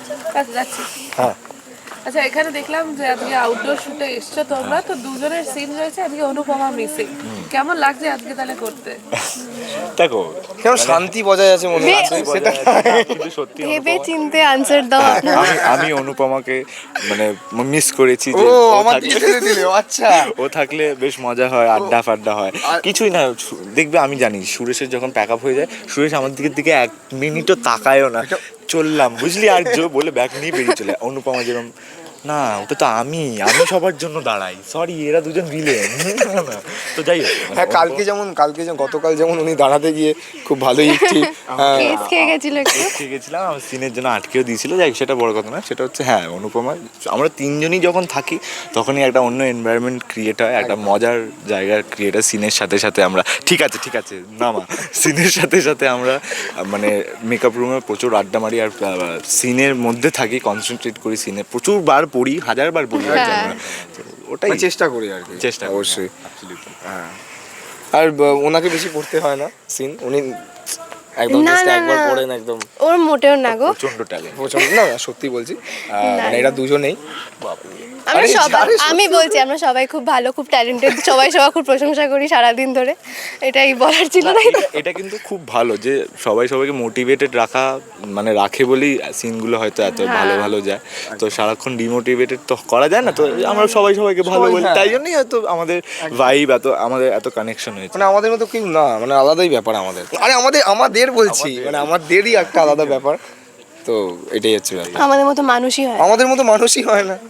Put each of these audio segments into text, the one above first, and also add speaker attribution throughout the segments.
Speaker 1: আচ্ছা যাচ্ছি।
Speaker 2: হ্যাঁ
Speaker 1: আচ্ছা এখানে দেখলাম যে আজকে আউটডোর শুটে এসছো তোমরা, তো দুজনের সিন রয়েছে, আজকে অনুপমা মিসিং। কেমন লাগছে আজকে তাহলে করতে?
Speaker 3: দেখো
Speaker 2: কেমন শান্তি বজায় আছে মনে হচ্ছে সেটা।
Speaker 3: কিন্তু সত্যি
Speaker 4: ভেবে চিনতে আনসার দাও আপনারা।
Speaker 3: আমি অনুপমাকে মানে মিস করেছি
Speaker 2: ও
Speaker 3: যে
Speaker 2: আমার দিকে ঠেলে দিলে, আচ্ছা।
Speaker 3: ও থাকলে বেশ মজা হয়, আড্ডা ফাড্ডা হয়, কিছুই না। দেখবে আমি জানি সুরেশের যখন প্যাক আপ হয়ে যায়, সুরেশ আমার দিকে এক মিনিটও তাকায়ও না, চললাম বুঝলি আর জো বলে ব্যাগ নিয়ে বেরিয়ে চলে। অনুপমা যেরকম না, ওটা তো আমি সবার জন্য দাঁড়াই, সরি এরা দুজন ভিলেন। তো যাই হোক,
Speaker 2: হ্যাঁ কালকে যেমন গতকাল যেমন উনি দাঁড়াতে গিয়ে খুব ভালোই একটি
Speaker 4: কেস খেয়ে গেছিল একটু।
Speaker 3: ঠিক গেছিলাম, আমার সিনের জন্য আটকেও দিয়েছিল। যাই হোক, সেটা বড় কথা না। সেটা হচ্ছে হ্যাঁ অনুপমা, আমরা তিনজনই যখন থাকি তখনই একটা অন্য এনভায়রনমেন্ট ক্রিয়েট হয়, একটা মজার জায়গা ক্রিয়েট হয়। সিনের সাথে সাথে আমরা ঠিক আছে নামা সিনের সাথে সাথে আমরা মানে মেকআপ রুমে প্রচুর আড্ডা মারি, আর সিনের মধ্যে থাকি, কনসেন্ট্রেট করি সিনে, প্রচুর বার পড়ি, হাজারবার পড়ি আর কি আমরা। তো ওটাই
Speaker 2: চেষ্টা করি আর কি,
Speaker 3: চেষ্টা করি,
Speaker 2: অবশ্যই।
Speaker 3: absolutely।
Speaker 2: হ্যাঁ আর ওনাকে বেশি পড়তে হয় না সিন, উনি একদম
Speaker 4: না,
Speaker 2: just
Speaker 4: না,
Speaker 2: একবার
Speaker 4: না।
Speaker 2: পড়েন একদম।
Speaker 4: ওর মোটেও না গো।
Speaker 3: প্রচন্ড ট্যালেন্ট।
Speaker 2: প্রচন্ড না, সত্যি বলছি, মানে এরা দুজনেই
Speaker 4: আমরা
Speaker 2: আরে,
Speaker 4: সবাই,
Speaker 2: আরে,
Speaker 4: আমি বলছি আমরা সবাই খুব ভালো, খুব ট্যালেন্টেড, সবাই খুব প্রশংসা করি সারাদিন ধরে, এটাই বলার ছিল না।
Speaker 3: এটা কিন্তু খুব ভালো যে সবাই সবাইকে মোটিভেটেড রাখা, মানে রাখে বলেই সিনগুলো হয়তো এত ভালো ভালো যায়। তো সারাক্ষণ ডিমোটিভেটেড তো করা যায় না, তো আমরা সবাইকে ভালো বলি,
Speaker 2: হ্যাঁ।
Speaker 3: তাই জন্যই হয়তো আমাদের ভাইব আমাদের এত কানেকশন হয়েছে।
Speaker 2: মানে আমাদের মতো কেউ না, মানে আলাদাই ব্যাপার আমাদের। আরে আমাদের বলছি, মানে আমাদেরই একটা আলাদা ব্যাপার। তো এটাই হচ্ছে ব্যাপার,
Speaker 4: আমাদের মতো মানুষই হয়।
Speaker 2: আমাদের মতো মানুষই হয় না।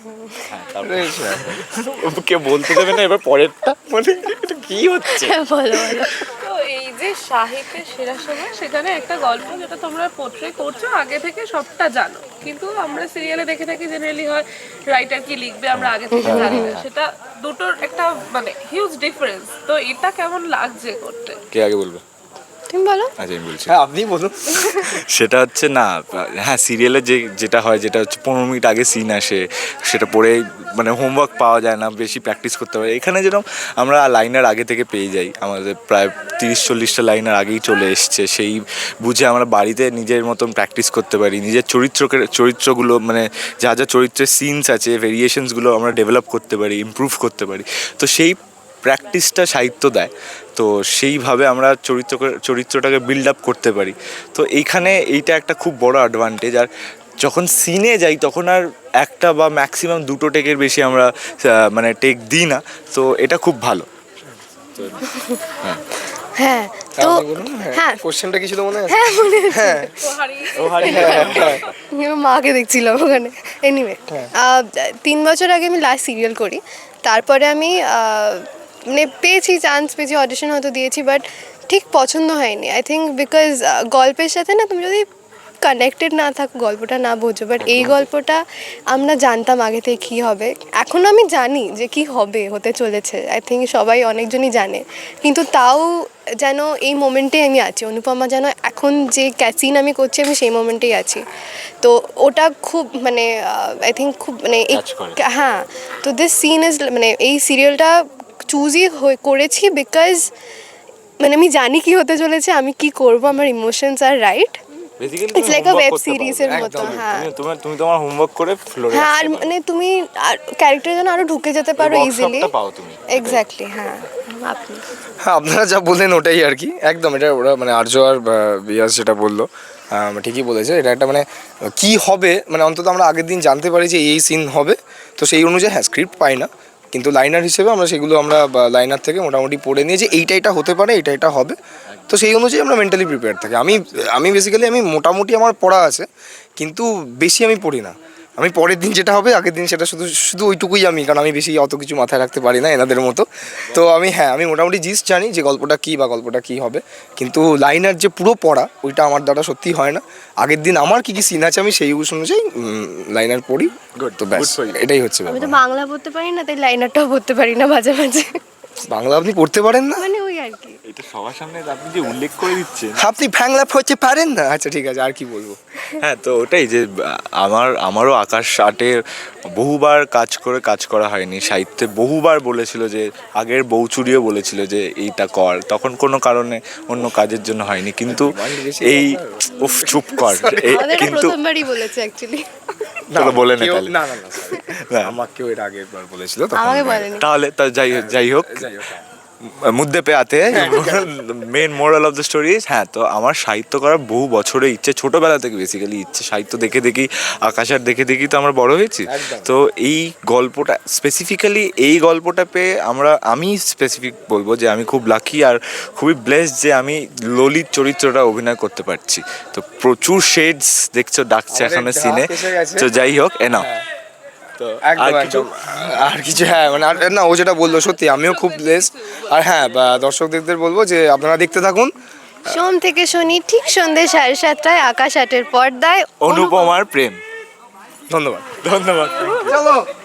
Speaker 3: কে বলতে দেবে না এবার পরেরটা, মানে এটা কি হচ্ছে?
Speaker 4: বলো বলো।
Speaker 1: তো এই যে সাহিত্যের সেরা সময়, সেখানে একটা গল্প যেটা তোমরা পোট্রে করছো আগে থেকে সবটা জানো, কিন্তু আমরা সিরিয়ালে দেখে থাকি জেনারেলি হয় রাইটার কি লিখবে আমরা আগে থেকে জানি না, সেটা দুটোর একটা মানে হিউজ ডিফারেন্স। তো এটা কেমন লাগছে করতে?
Speaker 3: কে আগে বলবে?
Speaker 4: তুমি বলো।
Speaker 3: আচ্ছা আমি বলছি।
Speaker 2: হ্যাঁ আপনি বলুন।
Speaker 3: সেটা হচ্ছে না, হ্যাঁ সিরিয়ালে যেটা হয়, যেটা হচ্ছে 15 মিনিট আগে সিন আসে, সেটা পড়ে মানে হোমওয়ার্ক পাওয়া যায় না, বেশি প্র্যাকটিস করতে হয়। এখানে যেরকম আমরা লাইনার আগে থেকে পেয়ে যাই, আমাদের প্রায় 30-40টা লাইনার আগেই চলে এসছে, সেই বুঝে আমরা বাড়িতে নিজের মতন প্র্যাকটিস করতে পারি, নিজের চরিত্রগুলো মানে যা চরিত্রের সিনস আছে, ভেরিয়েশনসগুলো আমরা ডেভেলপ করতে পারি, ইমপ্রুভ করতে পারি। তো সেই প্র্যাকটিসটা সাহিত্য দেয়, তো সেইভাবে আমরা চরিত্রটাকে বিল্ড আপ করতে পারি। তো এইখানে এইটা একটা খুব বড় অ্যাডভান্টেজ। আর যখন সিনে যাই তখন আর একটা বা ম্যাক্সিমাম দুটো টেকের বেশি আমরা মানে টেক দিই না, তো এটা খুব ভালো।
Speaker 4: হ্যাঁ তো
Speaker 2: আপনি বলুন।
Speaker 4: হ্যাঁ
Speaker 2: কোশ্চেনটা কি ছিল মনে আছে?
Speaker 4: হ্যাঁ মনে আছে।
Speaker 2: হ্যাঁ
Speaker 4: মাকে দেখছিলাম ওখানে। এনিওয়ে 3 বছর আগে আমি লাস্ট সিরিয়াল করি, তারপরে আমি মানে চান্স পেয়েছি, অডিশন হয়তো দিয়েছি, বাট ঠিক পছন্দ হয়নি। আই থিঙ্ক বিকজ গল্পের সাথে না তুমি যদি কানেক্টেড না থাকো, গল্পটা না বোঝো, বাট এই গল্পটা আমরা জানতাম আগে থেকে কী হবে, এখনও আমি জানি যে কী হতে চলেছে, আই থিঙ্ক সবাই অনেকজনই জানে, কিন্তু তাও যেন এই মোমেন্টেই আমি আছি। অনুপমা যেন এখন যে সিন আমি করছি আমি সেই মোমেন্টেই আছি, তো ওটা খুব মানে আই থিঙ্ক খুব মানে হ্যাঁ। তো দিস সিন ইজ মানে এই সিরিয়ালটা চুজই করেছি বিকজ মানে আমি জানি কি হতে চলেছে, আমি কি করব, আমার ইমোশনস আর right. It's like a web সিরিজের মতো। হ্যাঁ
Speaker 3: তুমি তোমার হোমওয়ার্ক করে ফ্লোরে
Speaker 4: হ্যাঁ, আর মানে তুমি ক্যারেক্টার যেন আরো ঢুকে যেতে পারো ইজিলি।
Speaker 3: পাও তুমি
Speaker 4: এক্স্যাক্টলি। হ্যাঁ আপনি
Speaker 2: হ্যাঁ আপনারা যা বললেন ওটাই আর কি, একদম এটা ওরা মানে আর্য আর বিয়াস যেটা বললো ঠিকই বলেছে। এটা একটা মানে কি হবে, মানে অন্তত আমরা আগের দিন জানতে পারি যে এই সিন হবে, তো সেই অনুযায়ী হ্যাঁ স্ক্রিপ্ট পাই না, কিন্তু লাইনার হিসেবে আমরা সেগুলো আমরা লাইনার থেকে মোটামুটি পড়ে নিয়ে যে এইটা হতে পারে, এটা হবে, তো সেই অনুযায়ী আমরা মেন্টালি প্রিপেয়ার থাকি। আমি বেসিক্যালি আমি মোটামুটি আমার পড়া আছে, কিন্তু বেশি আমি পড়ি না। আমি পরের দিন যেটা হবে আগের দিন সেটা শুধু ওইটুকুই আমি, কারণ আমি বেশি অত কিছু মাথায় রাখতে পারি না এনাদের মতো। তো আমি মোটামুটি জিস্ট জানি যে গল্পটা কী হবে, কিন্তু লাইনার যে পুরো পড়া ওইটা আমার দ্বারা সত্যি হয় না। আগের দিন আমার কী সিন আছে আমি সেই অনুযায়ী লাইনার পড়ি, তো ব্যাস এটাই হচ্ছে
Speaker 4: আমি তো
Speaker 2: ব্যাপার।
Speaker 4: বাংলা পড়তে পারি না, তাই লাইনারটাও পড়তে পারি না মাঝে মাঝে।
Speaker 2: বাংলা আপনি পড়তে পারেন না?
Speaker 4: মানে ওই আর কি।
Speaker 3: এটা সবার সামনে আপনি যে উল্লেখ করে দিচ্ছেন।
Speaker 2: আপনি ফ্যাংলাপ হতে পারেন না? আচ্ছা ঠিক আছে, আর কি বলবো।
Speaker 3: হ্যাঁ, তো ওটাই যে আমারও আকাশ আর্টের বহুবার কাজ করা হয়নি। সাহিত্যে বহুবার বলেছিল যে, আগের বউচুরিও বলেছিল যে এইটা কর, তখন কোনো কারণে অন্য কাজের জন্য হয়নি। কিন্তু এই উফ চুপ কর
Speaker 4: আমাদের এটা
Speaker 3: কিন্তু
Speaker 4: প্রথমবারই বলেছে অ্যাকচুয়ালি।
Speaker 3: চলো বলে নে
Speaker 2: কেউ-
Speaker 3: তাহলে।
Speaker 2: না না না sorry।
Speaker 3: না।
Speaker 2: আমাকেও এর আগে একবার বলেছিল তখন
Speaker 4: আমাকে বলেনি।
Speaker 3: তাহলে তা যাই হোক
Speaker 2: যাই হোক, হ্যাঁ।
Speaker 3: মুদ্দে পে আতে main moral of the story. হ্যাঁ, তো আমার সাহিত্য করার বহু বছরের ইচ্ছে, ছোটোবেলা থেকে বেসিক্যালি ইচ্ছে। সাহিত্য দেখে দেখি, আকাশ আর দেখে দেখি তো আমরা বড় হয়েছি।
Speaker 2: একদম।
Speaker 3: তো এই গল্পটা স্পেসিফিক্যালি, এই গল্পটা পেয়ে আমি স্পেসিফিক বলবো যে আমি খুব লাকি আর খুবই ব্লেসড যে আমি ললিত চরিত্রটা অভিনয় করতে পারছি। তো প্রচুর শেডস দেখছো ডাকছে
Speaker 2: আমাদের
Speaker 3: এখানে
Speaker 2: ঢাক
Speaker 3: সিনে।
Speaker 2: এসে গেছে।
Speaker 3: তো যাই হোক এনা তো আর
Speaker 2: একদম
Speaker 3: কিছু
Speaker 2: একদম আর কিছু, হ্যাঁ মানে না, ও যেটা বললো সত্যি আমিও খুব ব্লেসড। আর হ্যাঁ, দর্শকদের বলবো যে আপনারা দেখতে থাকুন।
Speaker 4: সোম থেকে শনি ঠিক সন্ধ্যে 7:30টায় আকাশ আটের পর্দায়
Speaker 3: অনুপমার প্রেম।
Speaker 2: ধন্যবাদ।
Speaker 3: ধন্যবাদ।
Speaker 2: চলো।